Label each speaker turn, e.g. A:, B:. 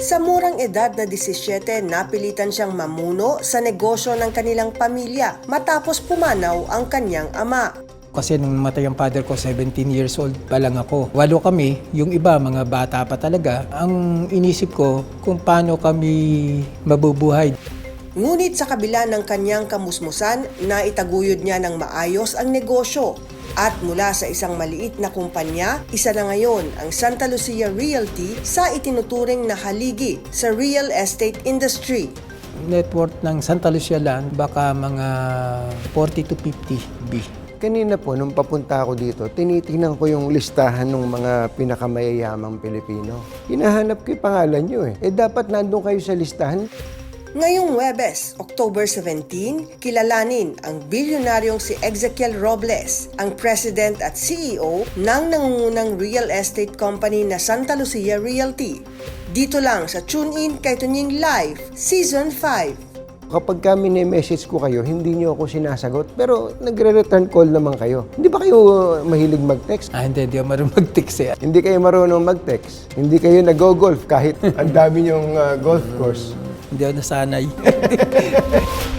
A: Sa murang edad na 17, napilitan siyang mamuno sa negosyo ng kanilang pamilya matapos pumanaw ang kanyang ama.
B: Kasi nung matay ang father ko, 17 years old pa lang ako. 8 kami, yung iba mga bata pa talaga. Ang inisip ko kung paano kami mabubuhay.
A: Ngunit sa kabila ng kanyang kamusmusan, naitaguyod niya ng maayos ang negosyo. At mula sa isang maliit na kumpanya, isa na ngayon ang Santa Lucia Realty sa itinuturing na haligi sa real estate industry.
B: Net worth ng Santa Lucia Land, baka mga 40 to 50 B.
C: Kanina po, nung papunta ako dito, tinitingnan ko yung listahan ng mga pinakamayayamang Pilipino. Hinahanap ko yung pangalan nyo eh. Dapat nandun kayo sa listahan.
A: Ngayong Huwebes, October 17, kilalanin ang bilyonaryong si Ezekiel Robles, ang President at CEO ng nangungunang real estate company na Santa Lucia Realty. Dito lang sa Tune In kay Tunying Live, Season 5.
C: Kapag kami message ko kayo, hindi nyo ako sinasagot, pero nagre-return call naman kayo. Hindi ba kayo mahilig mag-text?
B: Hindi ako marunong mag-text eh.
C: Hindi kayo marunong mag-text. Hindi kayo nag-golf kahit ang dami nyong golf course.
B: Hindi ako nasanay.